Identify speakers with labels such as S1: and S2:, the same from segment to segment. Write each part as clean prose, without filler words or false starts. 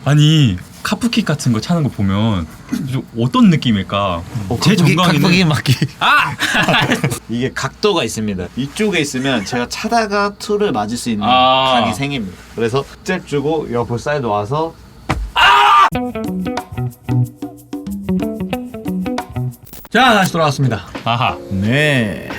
S1: 아니 카프킥 같은 거 차는 거 보면 좀 어떤 느낌일까? 제 정강이는
S2: 각박이 맞기.
S1: 아!
S3: 이게 각도가 있습니다. 이쪽에 있으면 제가 차다가 툴을 맞을 수 있는
S1: 아.
S3: 각이 생깁니다. 그래서 잽 주고 옆으로 사이드 와서
S2: 자, 다시 돌아왔습니다.
S1: 아하.
S2: 네.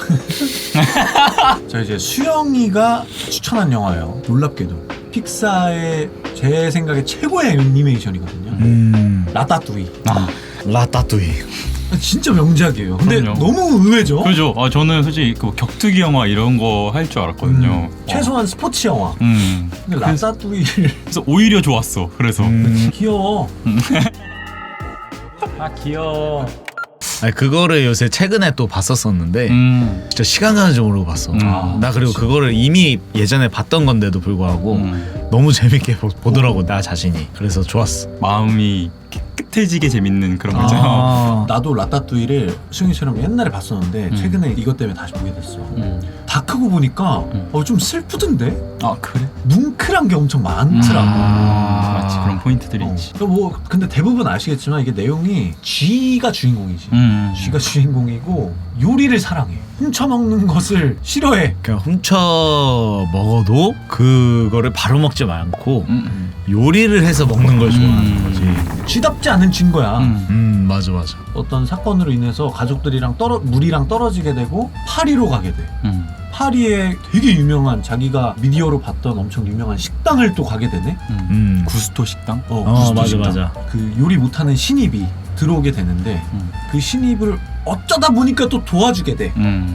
S2: 자, 이제 수영이가 추천한 영화예요. 놀랍게도 픽사의 제 생각에 최고의 애니메이션이거든요. 라따뚜이.
S1: 아,
S2: 라따뚜이. 진짜 명작이에요. 근데
S1: 그럼요.
S2: 너무 의외죠.
S1: 그죠. 아 저는 솔직히 그 격투기 영화 이런 거 할 줄 알았거든요.
S2: 최소한 스포츠 영화. 근데 라따뚜이를
S1: 그래서 오히려 좋았어. 그래서
S2: 귀여워.
S1: 아 귀여워.
S2: 아니, 그거를 요새 최근에 또 봤었었는데 진짜 시간 가는 줄 모르고 봤어. 나 그리고 그거를 이미 예전에 봤던 건데도 불구하고 너무 재밌게 보더라고 나 자신이. 그래서 좋았어.
S1: 마음이 깨끗해지게 재밌는 그런 거죠.
S2: 나도 라따뚜이를 수영이처럼 옛날에 봤었는데 최근에 이것 때문에 다시 보게 됐어. 다 크고 보니까 좀 슬프던데?
S1: 아 그래?
S2: 뭉클한 게 엄청 많더라고.
S1: 맞지 그런 포인트들이 있지.
S2: 뭐 근데 대부분 아시겠지만 이게 내용이 쥐가 주인공이지. 쥐가 주인공이고 요리를 사랑해. 훔쳐먹는 것을 싫어해. 그냥 훔쳐 먹어도 그거를 바로 먹지 않고 요리를 해서 먹는 걸 좋아하는 거지. 쥐답지 않은 쥐인 거야. 맞아. 어떤 사건으로 인해서 가족들이랑 물이랑 떨어지게 되고 파리로 가게 돼. 파리에 되게 유명한 자기가 미디어로 봤던 엄청 유명한 식당을 또 가게 되네.
S1: 구스토 식당?
S2: 구스토
S3: 맞아,
S2: 식당.
S3: 맞아.
S2: 그 요리 못하는 신입이 들어오게 되는데 그 신입을 어쩌다 보니까 또 도와주게 돼.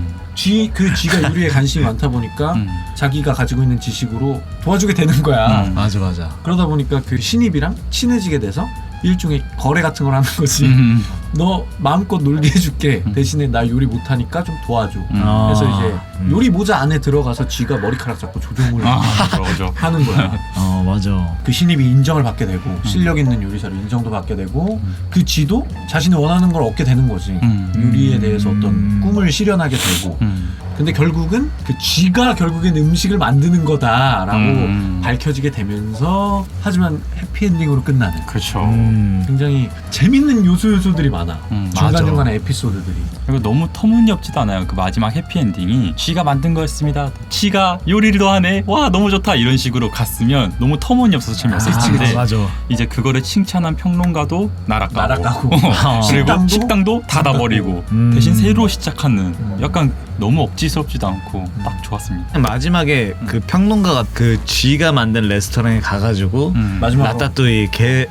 S2: 그 쥐가 요리에 관심이 많다 보니까 자기가 가지고 있는 지식으로 도와주게 되는 거야. 맞아. 그러다 보니까 그 신입이랑 친해지게 돼서 일종의 거래 같은 걸 하는 거지. 너 마음껏 놀게 해줄게. 대신에 나 요리 못하니까 좀 도와줘. 그래서 이제 요리 모자 안에 들어가서 쥐가 머리카락 잡고 조종을 하는 거야. 맞아. 그 신입이 인정을 받게 되고 실력 있는 요리사로 인정도 받게 되고 그 쥐도 자신이 원하는 걸 얻게 되는 거지. 요리에 대해서 어떤 꿈을 실현하게 되고. 근데 결국은 그 쥐가 결국엔 음식을 만드는 거다라고 밝혀지게 되면서 하지만 해피엔딩으로 끝나는.
S1: 그렇죠.
S2: 굉장히 재밌는 요소들이 많아. 중간중간에 에피소드들이.
S1: 그리고 너무 터무니없지도 않아요. 그 마지막 해피엔딩이 쥐가 만든 거였습니다. 쥐가 요리를 하네. 와 너무 좋다. 이런 식으로 갔으면 너무 터무니없어서 재미없을 텐데 이제 그거를 칭찬한 평론가도 날아가고 그리고 식당도 닫아버리고 대신 새로 시작하는 약간 너무 억지스럽지도 않고 딱 좋았습니다.
S3: 마지막에 그 평론가가 그 쥐가 만든 레스토랑에 가가지고 라따뚜이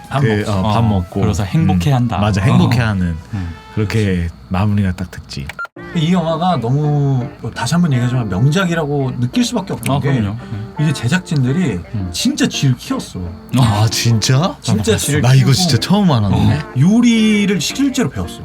S3: 밥 먹고
S1: 그래서 행복해한다.
S3: 맞아, 행복해하는 그렇게 마무리가 딱 됐지.
S2: 이 영화가 너무 다시 한번 얘기하지만 명작이라고 느낄 수밖에 없는 게
S1: 그럼요.
S2: 이게 제작진들이 진짜 쥐를 키웠어.
S3: 아 진짜?
S2: 진짜 쥐를
S3: 나
S2: 키우고
S3: 이거 진짜 처음 알았네.
S2: 요리를 실제로 배웠어.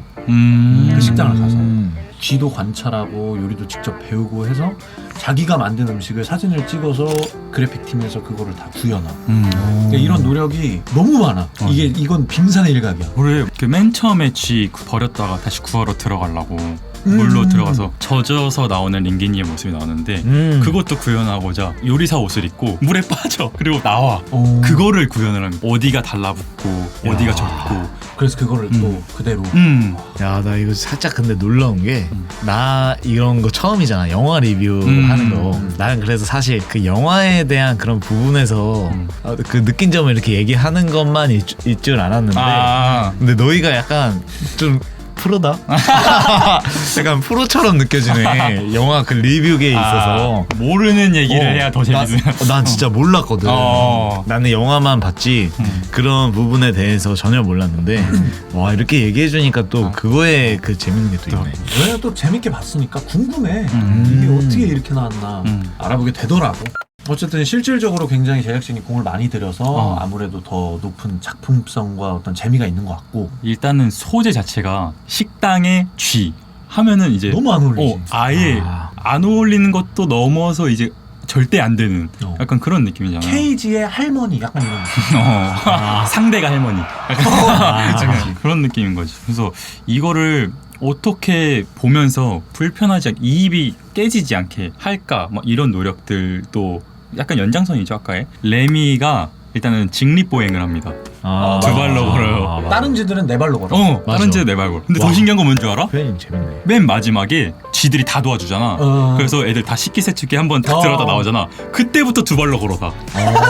S2: 그 식당을 가서 쥐도 관찰하고 요리도 직접 배우고 해서 자기가 만든 음식을 사진을 찍어서 그래픽팀에서 그거를 다 구현하고 그러니까 이런 노력이 너무 많아. 이건 빙산의 일각이야.
S1: 우리 그 맨 처음에 쥐 버렸다가 다시 구하러 들어가려고 물로 들어가서 젖어서 나오는 링기니의 모습이 나오는데 그것도 구현하고자 요리사 옷을 입고 물에 빠져. 그리고 나와. 그거를 구현을 합니다. 어디가 달라붙고 어디가 젖고.
S2: 그래서 그거를 또 그대로
S3: 야, 나 이거 살짝 근데 놀라운 게 나 이런 거 처음이잖아. 영화 리뷰하는 거. 나는 그래서 사실 그 영화에 대한 그런 부분에서 그 느낀 점을 이렇게 얘기하는 것만 있 줄 알았는데 근데 너희가 약간 좀 프로다? 약간 프로처럼 느껴지네. 영화 그 리뷰계에 있어서
S1: 모르는 얘기를 해야 더 재밌어요.
S3: 난 진짜 몰랐거든. 나는 영화만 봤지 그런 부분에 대해서 전혀 몰랐는데 와 이렇게 얘기해주니까 또 그거에 그 재밌는 게 또 있네.
S2: 왜냐면 또 재밌게 봤으니까 궁금해. 이게 어떻게 이렇게 나왔나 알아보게 되더라고. 어쨌든 실질적으로 굉장히 제작진이 공을 많이 들여서 아무래도 더 높은 작품성과 어떤 재미가 있는 것 같고
S1: 일단은 소재 자체가 식당에 쥐 하면은 이제
S2: 너무 안 어울리지.
S1: 아예 안 어울리는 것도 넘어서 이제 절대 안 되는 약간 그런 느낌이잖아요.
S2: 케이지의 할머니 약간 이런
S1: 상대가 할머니 약간 그런 느낌인 거지. 그래서 이거를 어떻게 보면서 불편하지 않게 이입이 깨지지 않게 할까 막 이런 노력들도 약간 연장선이죠. 아까의 레미가 일단은 직립보행을 합니다.
S3: 아,
S1: 두 발로 걸어요.
S2: 다른 쥐들은 네 발로 걸어.
S1: 다른
S3: 맞아.
S1: 쥐는 네 발 걸어. 근데
S3: 와.
S1: 더 신기한 건 뭔 줄 알아?
S3: 표현이 재밌네.
S1: 맨 마지막에 쥐들이 다 도와주잖아. 그래서 애들 다 식기세척기 한번 딱 들어가다 나오잖아. 그때부터 두 발로 걸어 다.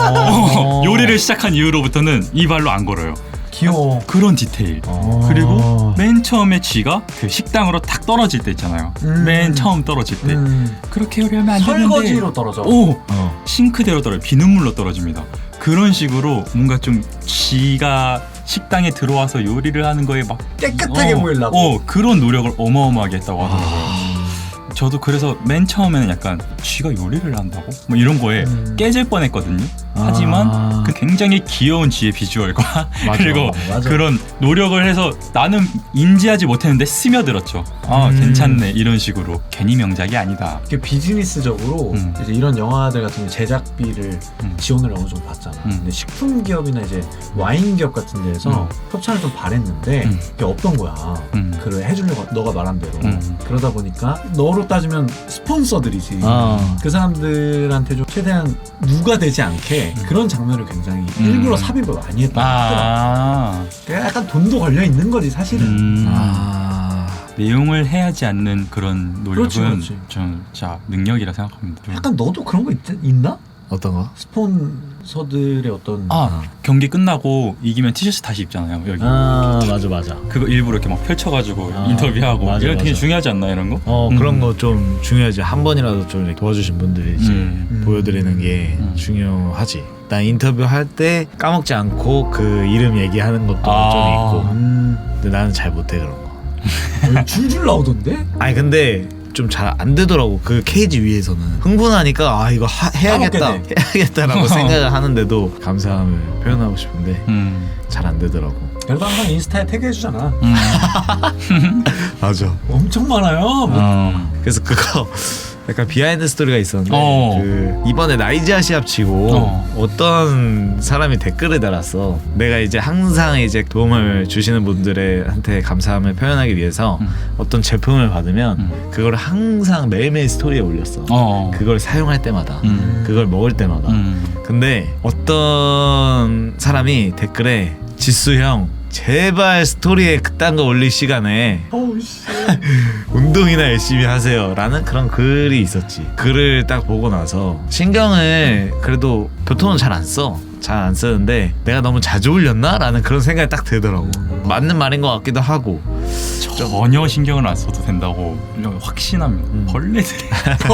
S1: 요리를 시작한 이후로부터는 이 발로 안 걸어요.
S2: 귀여워.
S1: 그런 디테일. 그리고 맨 처음에 쥐가 그 식당으로 탁 떨어질 때 있잖아요. 맨 처음 떨어질 때 그렇게 요리하면 안 되는데
S2: 설거지로 떨어져.
S1: 싱크대로 떨어져. 비눗물로 떨어집니다. 그런 식으로 뭔가 좀 쥐가 식당에 들어와서 요리를 하는 거에 막
S2: 깨끗하게 보이려고.
S1: 그런 노력을 어마어마하게 했다고 하더라고요. 저도 그래서 맨 처음에는 약간 쥐가 요리를 한다고? 뭐 이런 거에 깨질 뻔했거든요. 하지만 그 굉장히 귀여운 쥐의 비주얼과 그리고 그런 노력을 해서 나는 인지하지 못했는데 스며들었죠. 괜찮네 이런 식으로. 괜히 명작이 아니다.
S2: 이게 비즈니스적으로 이제 이런 영화들 같은 경우 제작비를 지원을 어느 정도 받잖아. 근데 식품 기업이나 이제 와인 기업 같은 데에서 협찬을 좀 바랬는데 그게 없던 거야. 그걸 해주려고 너가 말한 대로. 그러다 보니까 너로 따지면 스폰서들이지. 그 사람들한테 좀 최대한 누가 되지 않게 그런 장면을 굉장히 일부러 삽입을 많이 했다고 하더라고. 그러니까 약간 돈도 걸려 있는 거지 사실은.
S1: 내용을 해야지 않는 그런 노력은
S2: 그렇지.
S1: 전 진짜 능력이라 생각합니다.
S2: 약간 너도 그런 거 있나?
S3: 어떤 거?
S2: 스폰서들의 어떤
S1: 경기 끝나고 이기면 티셔츠 다시 입잖아요. 여기.
S3: 맞아.
S1: 그거 일부러 이렇게 막 펼쳐가지고 인터뷰하고
S3: 맞아,
S1: 이런 되게
S3: 맞아.
S1: 중요하지 않나 이런 거?
S3: 그런 거 좀 중요하지. 한 번이라도 좀 이렇게 도와주신 분들이 이제 보여드리는 게 중요하지. 난 인터뷰 할 때 까먹지 않고 그 이름 얘기하는 것도 좀 있고. 근데 나는 잘 못해 그런 거.
S2: 줄줄 나오던데?
S3: 아니 근데 좀 잘 안 되더라고. 그 케이지 위에서는 흥분하니까 이거 해야겠다라고 생각을 하는데도 감사함을 표현하고 싶은데 잘 안 되더라고.
S2: 그래도 항상 인스타에 태그해주잖아.
S3: 맞아.
S2: 엄청 많아요.
S3: 그래서 그거 약간 비하인드 스토리가 있었는데 그 이번에 나이지아 시합 치고 어떤 사람이 댓글을 달았어. 내가 이제 항상 이제 도움을 주시는 분들한테 감사함을 표현하기 위해서 어떤 제품을 받으면 그걸 항상 매일매일 스토리에 올렸어. 그걸 사용할 때마다 그걸 먹을 때마다. 근데 어떤 사람이 댓글에 지수 형 제발 스토리에 그딴 거 올릴 시간에 운동이나 열심히 하세요 라는 그런 글이 있었지. 글을 딱 보고 나서 신경을 그래도 보통은 잘 안 써. 잘 안 쓰는데 내가 너무 자주 올렸나? 라는 그런 생각이 딱 들더라고. 맞는 말인 것 같기도 하고.
S1: 전혀 신경을 안 써도 된다고 확신합니다. 벌레들이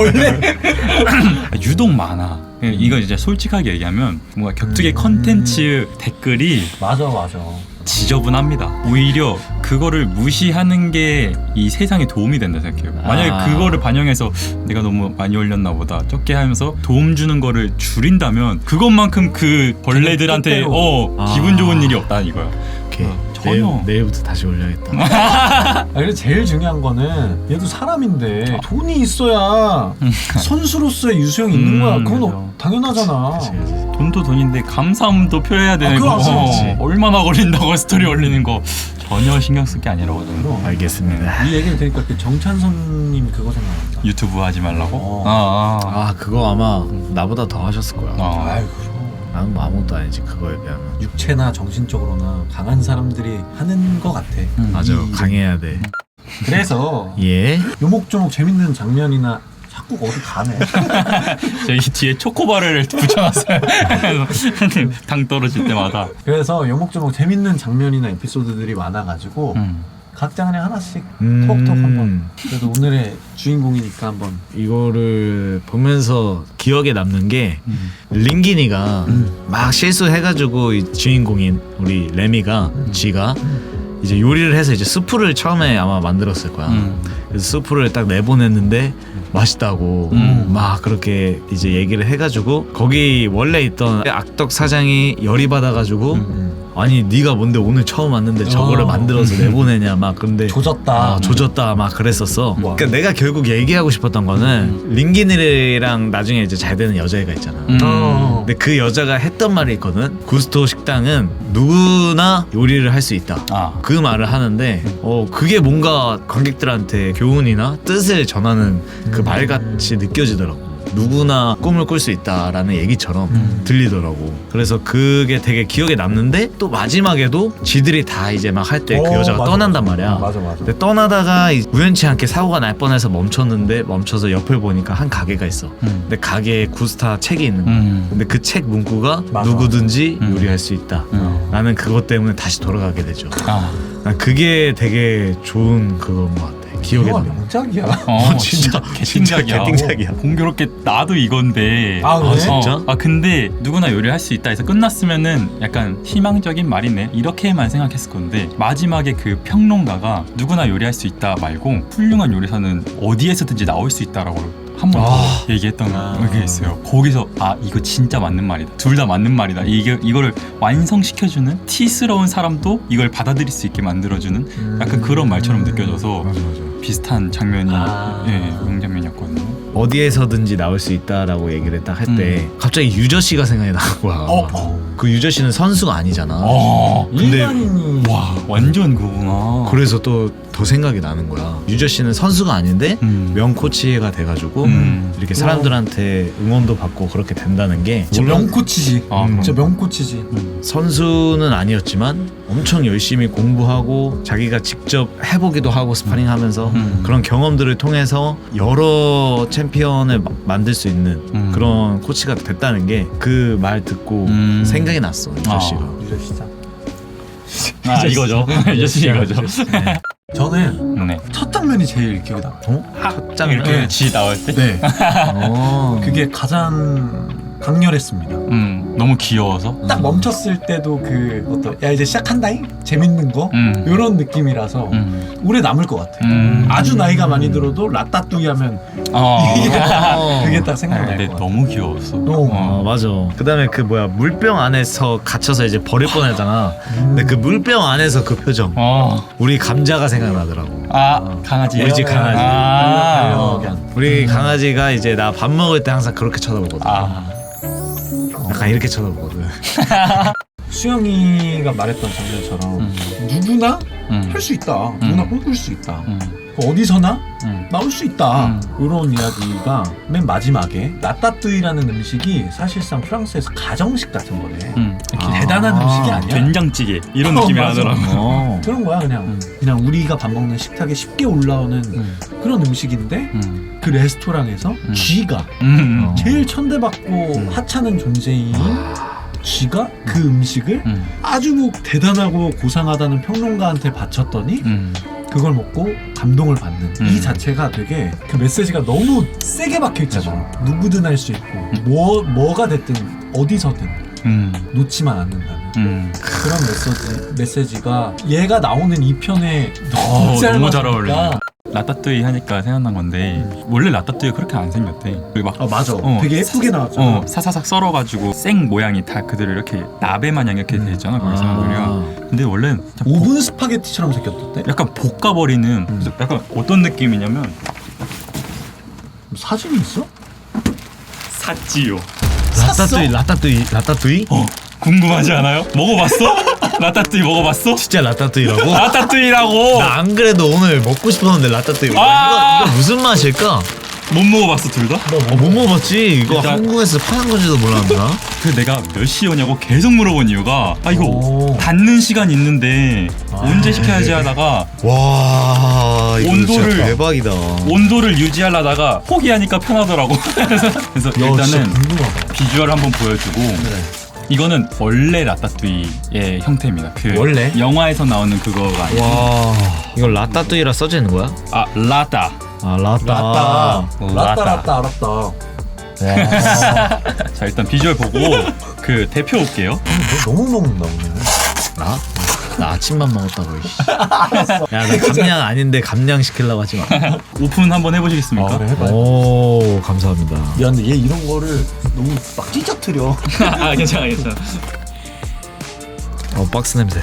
S1: 유독 많아. 이거 이제 솔직하게 얘기하면 뭔가 격투기 컨텐츠 댓글이
S2: 맞아.
S1: 지저분합니다. 오히려 그거를 무시하는 게 이 세상에 도움이 된다 생각해요. 만약에 그거를 반영해서 내가 너무 많이 올렸나 보다 적게 하면서 도움 주는 거를 줄인다면 그것만큼 그 벌레들한테 기분 좋은 일이 없다 이거야. 전혀.
S3: 내일부터 다시 올려야겠다.
S2: 그래서 제일 중요한 거는 얘도 사람인데 돈이 있어야 선수로서의 유수형이 있는 거야. 그건 당연하잖아.
S3: 그치.
S1: 돈도 돈인데 감사함도 표해야 되는
S2: 그거
S1: 거.
S2: 그렇지.
S1: 얼마나 걸린다고 스토리 올리는 거 전혀 신경 쓸 게 아니라고 저는.
S3: 알겠습니다.
S2: 이 얘기를 들으니까 그 정찬선님 그거 생각난다.
S1: 유튜브 하지 말라고?
S3: 그거 아마 나보다 더 하셨을 거야.
S2: 아이고.
S3: 나는 뭐 아무것도 아니지 그거에 비하면.
S2: 육체나 정신적으로나 강한 사람들이 하는 거 같아.
S3: 맞아. 강해야 돼.
S2: 그래서
S3: 예.
S2: 요목조목 재밌는 장면이나 자꾸 어디 가네.
S1: 저기 뒤에 초코바를 붙여놨어요. 당 떨어질 때마다.
S2: 그래서 요목조목 재밌는 장면이나 에피소드들이 많아가지고 각자 그냥 하나씩 톡톡 한번. 그래도 오늘의 주인공이니까 한번.
S3: 이거를 보면서 기억에 남는 게 링기니가 막 실수해가지고 이 주인공인 우리 레미가 쥐가 이제 요리를 해서 이제 수프를 처음에 아마 만들었을 거야. 그래서 수프를 딱 내보냈는데 맛있다고 막 그렇게 이제 얘기를 해가지고 거기 원래 있던 악덕 사장이 열이 받아가지고 아니 네가 뭔데 오늘 처음 왔는데 저거를 만들어서 내보내냐 막. 근데 조졌다 막 그랬었어. 그러니까 내가 결국 얘기하고 싶었던 거는 링기니랑 나중에 이제 잘 되는 여자애가 있잖아. 근데 그 여자가 했던 말이 있거든. 구스토 식당은 누구나 요리를 할 수 있다. 그 말을 하는데 그게 뭔가 관객들한테 교훈이나 뜻을 전하는 그 말같이 느껴지더라고. 누구나 꿈을 꿀 수 있다라는 얘기처럼 들리더라고. 그래서 그게 되게 기억에 남는데 또 마지막에도 지들이 다 이제 막 할 때 그 여자가
S2: 맞아,
S3: 떠난단
S2: 맞아.
S3: 말이야.
S2: 맞아.
S3: 근데 떠나다가 우연치 않게 사고가 날 뻔해서 멈춰서 옆을 보니까 한 가게가 있어. 근데 가게에 구스타 책이 있는 거야. 근데 그 책 문구가
S2: 맞아.
S3: 누구든지 요리할 수 있다. 나는 그것 때문에 다시 돌아가게 되죠. 난 그게 되게 좋은 그건 것 같아. 기억에
S2: 영화
S3: 남아.
S2: 명작이야.
S1: 진짜 개띵작이야.
S3: 개띵작이야.
S1: 공교롭게 나도 이건데.
S2: 아, 그래?
S3: 진짜?
S1: 근데 누구나 요리할 수 있다 해서 끝났으면은 약간 희망적인 말이네 이렇게만 생각했을 건데 마지막에 그 평론가가 누구나 요리할 수 있다 말고 훌륭한 요리사는 어디에서든지 나올 수 있다라고 한 번 더 얘기했던 게 있어요. 거기서 이거 진짜 맞는 말이다. 둘 다 맞는 말이다. 이거를 완성시켜주는 티스러운 사람도 이걸 받아들일 수 있게 만들어주는 약간 그런 말처럼 느껴져서
S3: 맞아.
S1: 비슷한 장면이 명장면이었거든요.
S3: 어디에서든지 나올 수 있다라고 얘기를 딱 할 때 갑자기 유저 씨가 생각이 나는 거야. 그 유저 씨는 선수가 아니잖아. 근데
S2: 일반인이
S1: 와 완전 그구나.
S3: 그래서 또 더 생각이 나는 거야. 유저 씨는 선수가 아닌데 명 코치가 돼가지고 이렇게 사람들한테 응원도 받고 그렇게 된다는 게
S2: 진짜 명코치지. 진짜 명코치지.
S3: 선수는 아니었지만 엄청 열심히 공부하고 자기가 직접 해보기도 하고 스파링하면서 그런 경험들을 통해서 여러 챔피언을 만들 수 있는 그런 코치가 됐다는 게 그 말 듣고 생각이 났어. 유저 씨가.
S2: 유저 시작.
S1: 이거죠. 유저씨 이거죠.
S3: 네.
S2: 저는
S1: 네.
S2: 첫 장면이 제일 기억에 나.
S3: 첫 장면.
S1: 이렇게 지 나올 때.
S2: 네.
S3: 어.
S2: 그게 가장 강렬했습니다.
S1: 너무 귀여워서.
S2: 딱 멈췄을 때도 그 어떤 야 이제 시작한다잉 재밌는 거 이런 느낌이라서 오래 남을 것 같아. 아주 나이가 많이 들어도 라따뚜이 하면 그게 딱 생각날
S1: 근데
S2: 것 같아.
S1: 너무 귀여웠어.
S3: 맞아. 그다음에 그 뭐야 물병 안에서 갇혀서 이제 버릴 뻔하잖아. 근데 그 물병 안에서 그 표정. 우리 감자가 생각나더라고.
S1: 강아지.
S3: 우리 집 강아지.
S2: 반려견.
S3: 우리 강아지가 이제 나 밥 먹을 때 항상 그렇게 쳐다보거든. 약간 이렇게 쳐다보거든.
S2: 수영이가 말했던 장면처럼 누구나 할 수 있다. 누구나 꿈꿀 수 있다. 어디서나 나올 수 있다. 이런 이야기가 맨 마지막에 라따뚜이라는 음식이 사실상 프랑스에서 가정식 같은 거래. 대단한 음식이 아니야.
S1: 된장찌개 이런 느낌이
S2: 맞아.
S1: 나더라고.
S2: 그런 거야 그냥 우리가 밥 먹는 식탁에 쉽게 올라오는 그런 음식인데 그 레스토랑에서 쥐가 제일 천대받고 하찮은 존재인 쥐가 그 음식을 아주 대단하고 고상하다는 평론가한테 바쳤더니 그걸 먹고 감동을 받는 이 자체가 되게 그 메시지가 너무 세게 박혀 있잖아. 누구든 할 수 있고 뭐가 됐든 어디서든 놓지만 않는다는 그런 메시지가 얘가 나오는 이 편에 너무
S1: 잘
S2: 어울려.
S1: 어울려. 라따뚜이 하니까 생각난 건데 원래 라따뚜이가 그렇게 안 생겼대. 그리고 막
S2: 맞아. 되게 예쁘게 나왔잖아.
S1: 사사삭 썰어가지고 생 모양이 다 그대로 이렇게 나베 마냥 이렇게 돼 있잖아. 거기서 요리가. 근데 원래
S2: 오븐 스파게티처럼 생겼던데?
S1: 약간 볶아버리는 그래서 약간 어떤 느낌이냐면
S2: 사진이 있어?
S1: 샀지요.
S3: 라따뚜이?
S1: 궁금하지 않아요? 먹어봤어? 라따뚜이 먹어봤어?
S3: 진짜 라따뚜이라고?
S1: 라따뚜이라고.
S3: 나 안 그래도 오늘 먹고 싶었는데 라따뚜이. 이거 무슨 맛일까?
S1: 못 먹어봤어 둘 다?
S3: 못 먹어봤지. 이거
S1: 일단-
S3: 한국에서 파는 건지도 몰랐나?
S1: 그 내가 몇 시에 오냐고 계속 물어본 이유가 이거 닫는 시간 있는데 언제 시켜야지 하다가
S3: 와 이거
S1: 온도를-
S3: 진짜 대박이다.
S1: 온도를 유지하려다가 포기하니까 편하더라고. 그래서 일단은
S2: 궁금하다.
S1: 비주얼 한번 보여주고 이거는 원래 라따뚜이의 형태입니다. 그
S2: 원래?
S1: 영화에서 나오는 그거가 아니고
S3: 와 이거 라따뚜이라 써져 있는 거야?
S1: 라따.
S3: 라따.
S2: 라따 알았다.
S3: 와.
S1: 자 일단 비주얼 보고 그 대표 올게요.
S2: 너 너무 먹는다 오늘.
S3: 나? 나 아침만 먹었다고. 야나 감량 아닌데 감량 시키려고 하지 마.
S1: 오픈 한번 해보시겠습니까?
S2: 그래 해봐.
S3: 오 감사합니다.
S2: 야 근데 얘 이런 거를 너무 막 찢어뜨려.
S1: 괜찮아.
S3: 박스 냄새.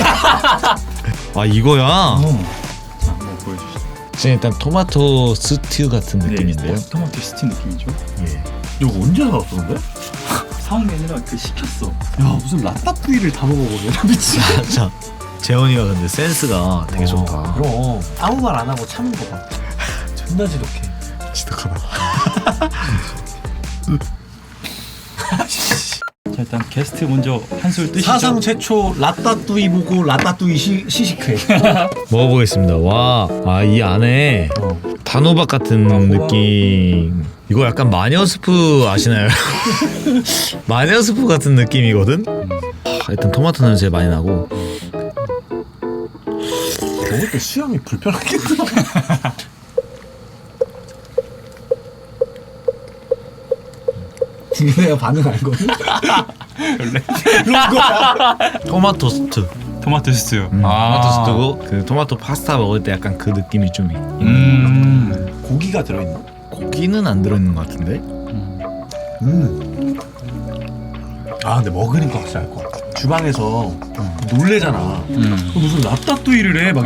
S3: 아 이거야.
S1: 자 한번 보여주시죠.
S3: 지금 일단 토마토 스튜 같은 느낌인데요.
S1: 토마토 스팀 느낌이죠.
S3: 예.
S2: 이거 언제 사왔어 근데?
S1: 사온 게 아니라 그 시켰어.
S2: 야 무슨 라따뚜이를 다 먹어보네. 미친.
S3: 자 재원이가 근데 센스가 되게 좋다.
S2: 그럼 아무 말 안 하고 참은 거 봐. 존나 지독해.
S3: 지독하다.
S1: 자, 일단 게스트 먼저 한술 뜨시죠.
S2: 사상 최초 라따뚜이 보고 라따뚜이 시식회.
S3: 먹어보겠습니다. 와, 이 안에 단호박 같은 느낌. 이거 약간 마녀 스프 아시나요? 마녀 스프 같은 느낌이거든. 일단 토마토 냄새 많이 나고.
S2: 먹을 때 수염이 불편하겠다. 내가 반응 알거든. 그런 거야.
S3: 토마토 스트.
S1: 토마토 스튜.
S3: 토마토 스트고 그 토마토 파스타 먹을 때 약간 그 느낌이 좀.
S2: 고기가 들어있나?
S3: 고기는 안 들어있는 것 같은데.
S2: 근데 먹으니까 확실히 알 것 같아. 주방에서 놀래잖아. 무슨 라따뚜이를 해? 막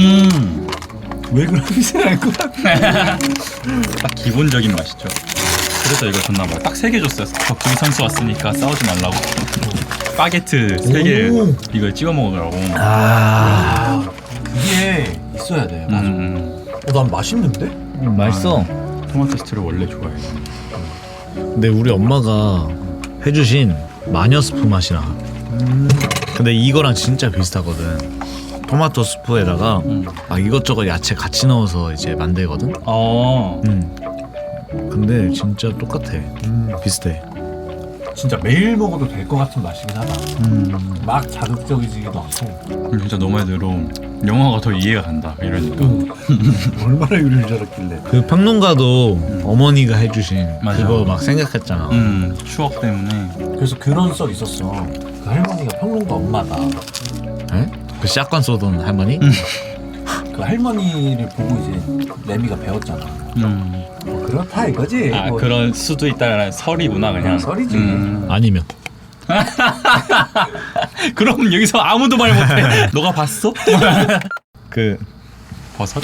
S2: 왜 그런지 알 것 같아.
S1: 딱 기본적인 맛이죠. 그래서 이거 줬나 봐요. 딱 3개 줬어요. 격투기 선수 왔으니까 싸우지 말라고. 바게트 3개 이걸 찍어 먹으라고.
S2: 그게 있어야 돼. 맞아. 난 맛있는데?
S3: 맛있어.
S1: 토마토 스튜를 원래 좋아해요.
S3: 근데 우리 엄마가 해주신 마녀 스프 맛이 나. 근데 이거랑 진짜 비슷하거든. 토마토 스프에다가 이것저것 야채 같이 넣어서 이제 만들거든. 근데 진짜 똑같아. 비슷해.
S2: 진짜 매일 먹어도 될 것 같은 맛이긴 하다. 막 자극적이지도 않고.
S1: 진짜 너 말대로 영화가 더 이해가 간다. 이러니까.
S2: 얼마나 요리를 잘했길래.
S3: 그 평론가도 어머니가 해주신
S1: 맞아.
S3: 그거 막 생각했잖아.
S1: 추억 때문에.
S2: 그래서 그런 썰 있었어. 그 할머니가 평론가 엄마다.
S3: 에? 그 샷건 쏘던 할머니?
S2: 그 할머니를 보고 이제 레미가 배웠잖아. 뭐 그렇다 이거지. 뭐
S1: 그런 수도 있다라는 설이구나 그냥.
S2: 썰이지.
S3: 아니면
S1: 그럼 여기서 아무도 말 못해. 너가 봤어?
S3: 그
S1: 버섯?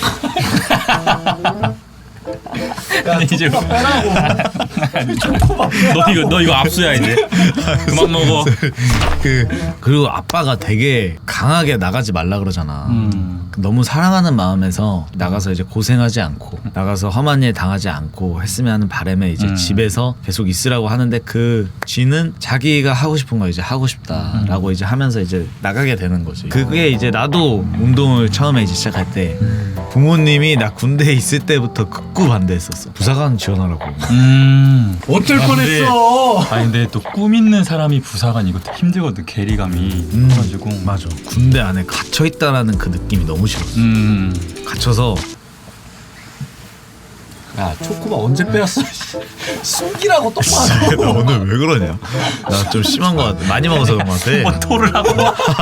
S2: 야,
S1: 이제
S2: 초코바 빼라고. 초코바 빼라고.
S1: 너 이거 압수야 이제. 그만 먹어.
S3: 그리고 아빠가 되게 강하게 나가지 말라 그러잖아. 너무 사랑하는 마음에서 나가서 이제 고생하지 않고 나가서 험한 일 당하지 않고 했으면 하는 바람에 이제 집에서 계속 있으라고 하는데 그 쥐는 자기가 하고 싶은 거 이제 하고 싶다라고 이제 하면서 이제 나가게 되는 거지. 그게 이제 나도 운동을 처음에 이제 시작할 때 부모님이 나 군대에 있을 때부터 극구 반대했었어. 부사관 지원하라고.
S2: 어쩔 뻔했어.
S1: 근데 또 꿈 있는 사람이 부사관 이것도 힘들거든. 괴리감이 커가지고.
S3: 맞아. 군대 안에 갇혀 있다라는 그 느낌이 너무 싫었어. 갇혀서.
S2: 야, 초코바 언제 빼왔어? 숨기라고 똑바로.
S3: 나 오늘 왜 그러냐? 나 좀 심한 거 같아. 많이 먹어서 그런 거 같아.
S1: 뭐 토를 하고.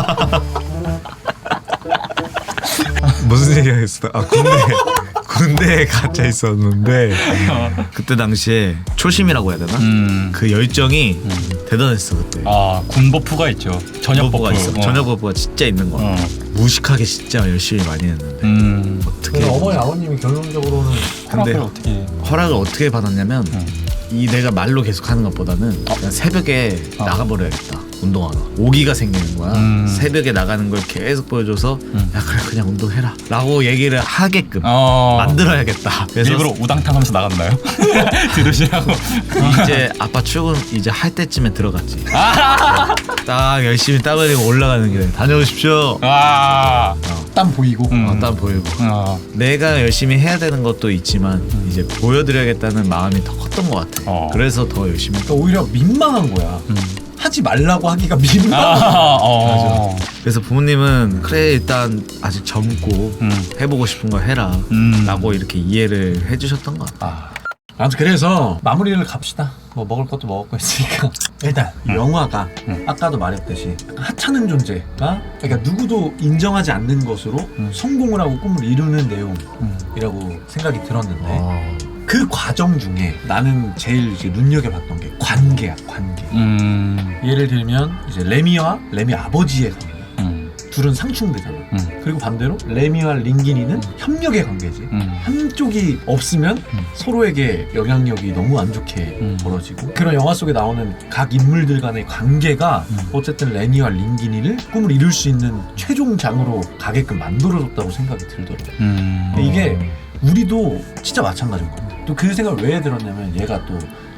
S3: 무슨 얘기 하겠어? 군대에 갇혀 있었는데 그때 당시에 초심이라고 해야 되나? 그 열정이 대단했어 그때.
S1: 군버프가 있죠. 전역버프가
S3: 있어. 전역버프가 진짜 있는 거야. 무식하게 진짜 열심히 많이 했는데 어떻게?
S2: 어머니 아버님이 결론적으로는
S3: 근데 허락을 어떻게 받았냐면 이 내가 말로 계속 하는 것보다는 그냥 새벽에 나가버려야겠다. 운동하러 오기가 생기는 거야. 새벽에 나가는 걸 계속 보여줘서 야 그래 그냥 운동해라 라고 얘기를 하게끔 만들어야겠다. 그래서
S1: 일부러 우당탕 하면서 나갔나요? 들으시라고.
S3: 이제 아빠 출근 이제 할 때쯤에 들어갔지. 딱 열심히 땀 흘리고 올라가는 길에 다녀오십시오.
S2: 땀 보이고.
S3: 땀 보이고. 내가 열심히 해야 되는 것도 있지만 이제 보여드려야겠다는 마음이 더 컸던 것 같아. 그래서 더 열심히
S2: 그러니까 오히려 민망한 거야. 하지 말라고 하기가 민망한 거야.
S3: 그래서 부모님은 그래 일단 아직 젊고 해보고 싶은 거 해라 라고 이렇게 이해를 해주셨던 것 같아.
S2: 아무튼 그래서 마무리를 갑시다. 뭐 먹을 것도 먹었고 했으니까 일단 이 영화가 아까도 말했듯이 약간 하찮은 존재가 그러니까 누구도 인정하지 않는 것으로 성공을 하고 꿈을 이루는 내용이라고 생각이 들었는데 그 과정 중에 나는 제일 이제 눈여겨봤던 게 관계야. 관계. 예를 들면 이제 레미와 레미 아버지의 관계. 둘은 상충되잖아. 그리고 반대로 레미와 링기니는 협력의 관계지. 한쪽이 없으면 서로에게 영향력이 너무 안 좋게 벌어지고 그런 영화 속에 나오는 각 인물들 간의 관계가 어쨌든 레미와 링기니를 꿈을 이룰 수 있는 최종장으로 가게끔 만들어줬다고 생각이 들더라고. 근데 이게 우리도 진짜 마찬가지인 것 같아. 또 그 생각을 왜 들었냐면 얘가 또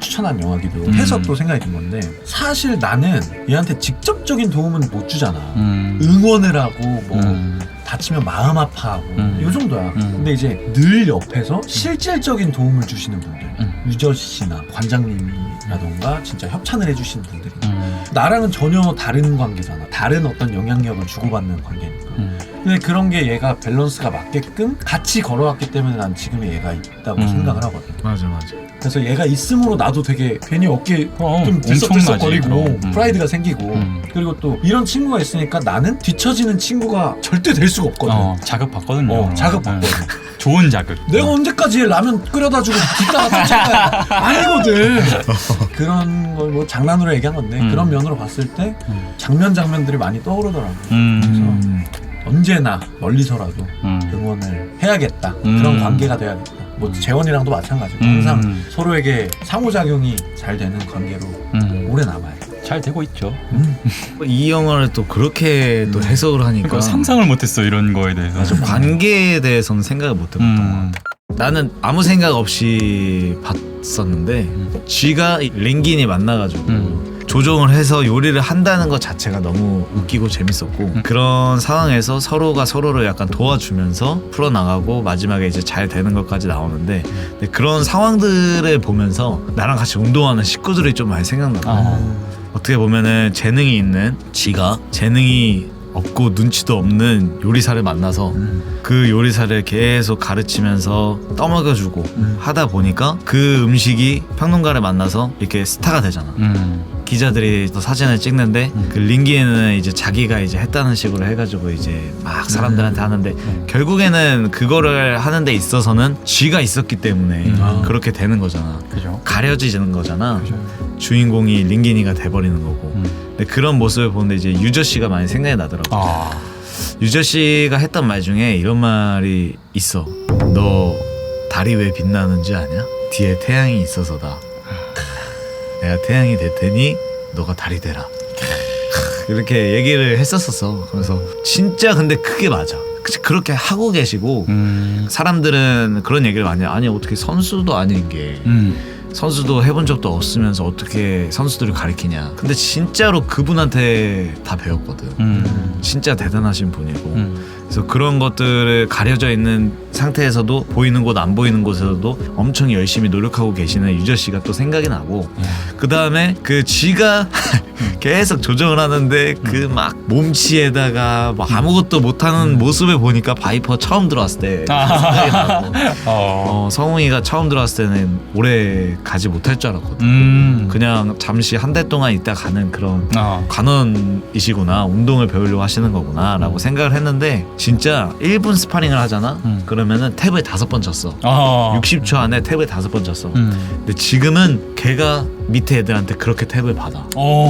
S2: 추천한 영화기도 해서 또 생각이 든 건데 사실 나는 얘한테 직접적인 도움은 못 주잖아. 응원을 하고 뭐 다치면 마음 아파하고 이 정도야. 근데 이제 늘 옆에서 실질적인 도움을 주시는 분들 유저 씨나 관장님이라던가 진짜 협찬을 해주시는 분들이 나랑은 전혀 다른 관계잖아. 다른 어떤 영향력을 주고받는 관계니까. 근데 그런 게 얘가 밸런스가 맞게끔 같이 걸어왔기 때문에 난 지금의 얘가 있다고 생각을 하거든.
S3: 맞아.
S2: 그래서 얘가 있음으로 나도 되게 괜히 어깨
S1: 그럼,
S2: 좀 들썩들썩거리고
S1: 엄청나지,
S2: 프라이드가 생기고 그리고 또 이런 친구가 있으니까 나는 뒤처지는 친구가 절대 될 수가 없거든.
S1: 자극 받거든요.
S2: 자극 받거든.
S1: 좋은 자극.
S2: 내가 언제까지 라면 끓여다 주고 뒷담화 쫓아가야 아니거든. 그런 걸 뭐 장난으로 얘기한 건데 그런 면으로 봤을 때 장면들이 많이 떠오르더라고. 그래서 언제나 멀리서라도 응원을 해야겠다. 그런 관계가 돼야겠다. 뭐 재원이랑도 마찬가지고 항상 서로에게 상호작용이 잘 되는 관계로 오래 남아요.
S1: 잘 되고 있죠.
S3: 이 영화를 또 그렇게 또 해석을 하니까
S1: 그러니까 상상을 못했어 이런 거에 대해서.
S3: 맞아. 관계에 대해서는 생각을 못 해봤던 것 같아. 나는 아무 생각 없이 봤었는데 쥐가 랭긴이 만나가지고 조종을 해서 요리를 한다는 것 자체가 너무 웃기고 재밌었고 그런 상황에서 서로가 서로를 약간 도와주면서 풀어나가고 마지막에 이제 잘 되는 것까지 나오는데 근데 그런 상황들을 보면서 나랑 같이 운동하는 식구들이 좀 많이 생각나요. 어떻게 보면은 재능이 있는 쥐가 재능이 없고 눈치도 없는 요리사를 만나서 그 요리사를 계속 가르치면서 떠먹여주고 하다 보니까 그 음식이 평론가를 만나서 이렇게 스타가 되잖아. 기자들이 또 사진을 찍는데 그 링기는 이제 자기가 이제 했다는 식으로 해가지고 이제 막 사람들한테 하는데 결국에는 그거를 하는 데 있어서는 쥐가 있었기 때문에 그렇게 되는 거잖아.
S1: 그죠.
S3: 가려지는 거잖아.
S1: 그죠.
S3: 주인공이 링기니가 돼버리는 거고. 근데 그런 모습을 보는데 이제 유저 씨가 많이 생각이 나더라고. 유저 씨가 했던 말 중에 이런 말이 있어. 너 달이 왜 빛나는지 아냐? 뒤에 태양이 있어서다. 내가 태양이 될 테니 너가 달이 되라. 이렇게 얘기를 했었었어. 그래서 진짜 근데 그게 맞아. 그렇게 하고 계시고 사람들은 그런 얘기를 많이 해. 아니 어떻게 선수도 아닌 게 선수도 해본 적도 없으면서 어떻게 선수들을 가르치냐. 근데 진짜로 그분한테 다 배웠거든. 진짜 대단하신 분이고 그래서 그런 것들을 가려져 있는 상태에서도 보이는 곳 안 보이는 곳에서도 엄청 열심히 노력하고 계시는 유저 씨가 또 생각이 나고 그 다음에 그 쥐가 계속 조정을 하는데 그 막 몸치에다가 막 아무것도 못하는 모습을 보니까 바이퍼 처음 들어왔을 때 생각이 나고 성웅이가 처음 들어왔을 때는 오래 가지 못할 줄 알았거든. 그냥 잠시 한 달 동안 있다 가는 그런 관원이시구나, 운동을 배우려고 하시는 거구나 라고 생각을 했는데 진짜 1분 스파링을 하잖아. 그러면은 탭을 5번 쳤어. 60초 안에 탭을 5번 쳤어. 근데 지금은 걔가 밑에 애들한테 그렇게 탭을 받아.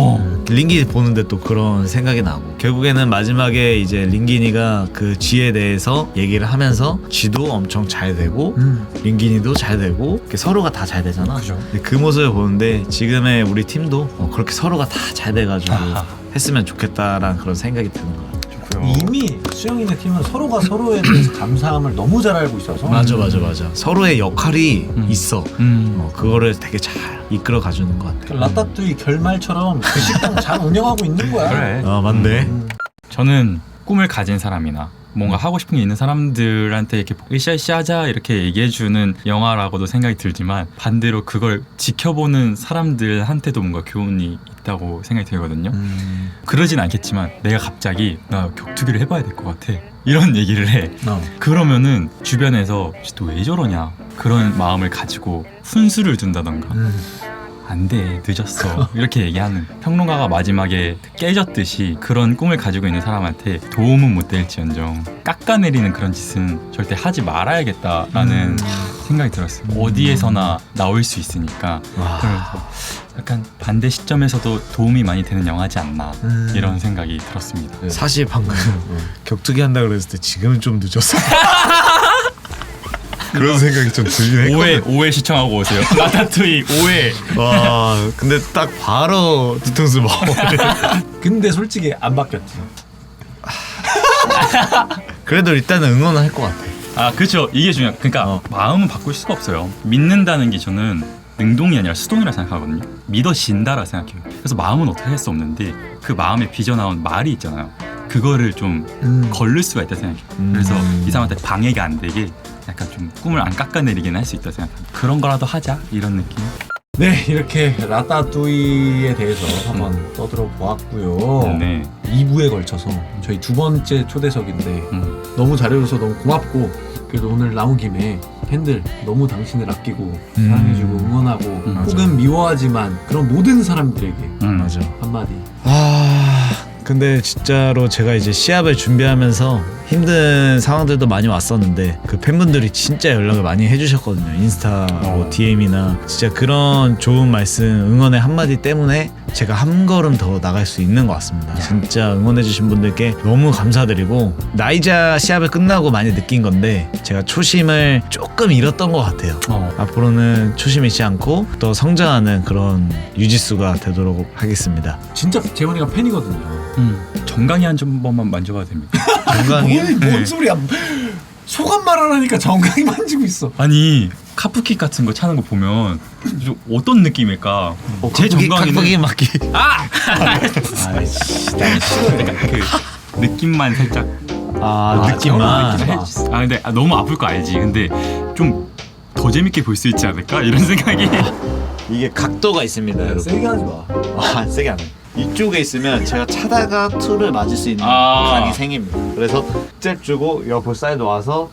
S3: 링기니 보는데 또 그런 생각이 나고 결국에는 마지막에 이제 링기니가 그 쥐에 대해서 얘기를 하면서 쥐도 엄청 잘 되고 링기니도 잘 되고 서로가 다 잘 되잖아.
S1: 그죠.
S3: 근데 그 모습을 보는데 지금의 우리 팀도 그렇게 서로가 다 잘 돼가지고 했으면 좋겠다라는 그런 생각이 드는 거야.
S2: 이미 수영이네 팀은 서로가 서로에 대해서 감사함을 너무 잘 알고 있어서
S3: 맞아. 서로의 역할이 있어. 그거를 되게 잘 이끌어 가주는 것 같아.
S2: 라따뚜이 결말처럼 그 식당 잘 운영하고 있는 거야.
S1: 그래.
S3: 맞네.
S1: 저는 꿈을 가진 사람이나 뭔가 하고 싶은 게 있는 사람들한테 이렇게 으쌰으쌰 하자 이렇게 얘기해주는 영화라고도 생각이 들지만 반대로 그걸 지켜보는 사람들한테도 뭔가 교훈이 있다고 생각이 들거든요. 그러진 않겠지만 내가 갑자기 나 격투기를 해봐야 될 것 같아 이런 얘기를 해. 그러면은 주변에서 또 왜 저러냐 그런 마음을 가지고 훈수를 둔다던가 안 돼 늦었어 이렇게 얘기하는 평론가가 마지막에 깨졌듯이 그런 꿈을 가지고 있는 사람한테 도움은 못 될지언정 깎아내리는 그런 짓은 절대 하지 말아야겠다라는 생각이 들었어요. 어디에서나 나올 수 있으니까. 그래서 약간 반대 시점에서도 도움이 많이 되는 영화지 않나 이런 생각이 들었습니다.
S3: 사실 방금 격투기 한다 그랬을 때 지금은 좀 늦었어. 그런 생각이 좀 들긴 했거든.
S1: 5회 시청하고 오세요. 라따뚜이 5회.
S3: 와 근데 딱 바로 뒤통수 먹어.
S2: 근데 솔직히 안 바뀌었지.
S3: 그래도 일단은 응원은 할 것 같아.
S1: 그렇죠. 이게 중요해요. 그러니까 마음은 바꿀 수가 없어요. 믿는다는 게 저는 능동이 아니라 수동이라 생각하거든요. 믿어진다라 생각해요. 그래서 마음은 어떻게 할 수 없는데 그 마음에 빚어나온 말이 있잖아요. 그거를 좀 걸릴 수가 있다 생각해요. 그래서 이 사람한테 방해가 안 되게 약간 좀 꿈을 안 깎아내리긴 할 수 있다 생각합니다. 그런 거라도 하자 이런 느낌.
S2: 네, 이렇게 라따뚜이에 대해서 한번 떠들어 보았고요.
S1: 네.
S2: 2부에 걸쳐서 저희 두 번째 초대석인데 너무 잘해줘서 너무 고맙고, 그래도 오늘 나온 김에 팬들 너무 당신을 아끼고 사랑해주고 응원하고 혹은 미워하지만 그런 모든 사람들에게
S3: 맞아.
S2: 한마디.
S3: 근데 진짜로 제가 이제 시합을 준비하면서 힘든 상황들도 많이 왔었는데 그 팬분들이 진짜 연락을 많이 해주셨거든요. 인스타로 DM이나 진짜 그런 좋은 말씀, 응원의 한마디 때문에 제가 한 걸음 더 나갈 수 있는 것 같습니다. 진짜 응원해주신 분들께 너무 감사드리고, 나이자 시합을 끝나고 많이 느낀 건데 제가 초심을 조금 잃었던 것 같아요. 앞으로는 초심 잃지 않고 더 성장하는 그런 유지수가 되도록 하겠습니다.
S2: 진짜 재원이가 팬이거든요.
S1: 정강이 한 번만 만져봐도 됩니까?
S3: 건강히
S2: 뭔 소리야? 소감 말하라니까 정강이 만지고 있어.
S1: 아니 카프킥 같은 거 차는 거 보면 좀 어떤 느낌일까? 제 정강이는
S3: 각박이 맞기.
S2: 아이씨, 나 싫어요.
S1: 그 느낌만 살짝
S3: 느낌만.
S1: 근데 너무 아플 거 알지. 근데 좀 더 재밌게 볼 수 있지 않을까 이런 생각이.
S3: 이게 각도가 있습니다, 여러분.
S2: 세게 하지 마.
S3: 세게 안 해. 이쪽에 있으면 제가 차다가 투를 맞을 수 있는 각이 생깁니다. 그래서 잽 주고 옆 사이드 와서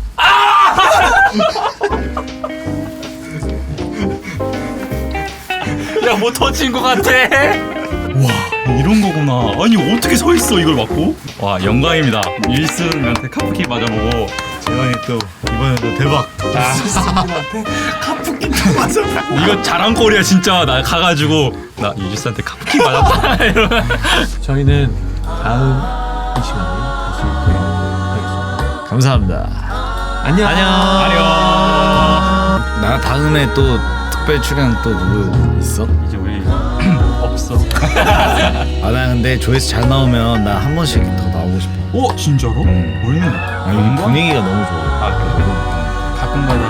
S1: 야, 뭐 터진 거 같아. 와, 이런 거구나. 아니 어떻게 서 있어 이걸 맞고? 와, 영광입니다. 윌슨한테 카프킥 맞아보고.
S3: 재환이 또 이번에도 대박.
S2: 윌슨한테 카프킥 맞아.
S1: 이거 자랑거리야 진짜. 나 가가지고 나 윌슨한테 카프킥 맞았다. 이러면.
S2: 저희는 다음 이 시간에 다시 뵙겠습니다.
S3: 감사합니다.
S2: 안녕.
S3: 안녕. 나 다음에 또 특별 출연 또 누구 있어?
S1: 이제 우리 없어.
S3: 나 근데 조회수 잘 나오면 나 한 번씩 더 나오고 싶어.
S1: 오, 진짜로? 우리는
S3: 아니 분위기가 너무 좋아.
S1: 가끔가다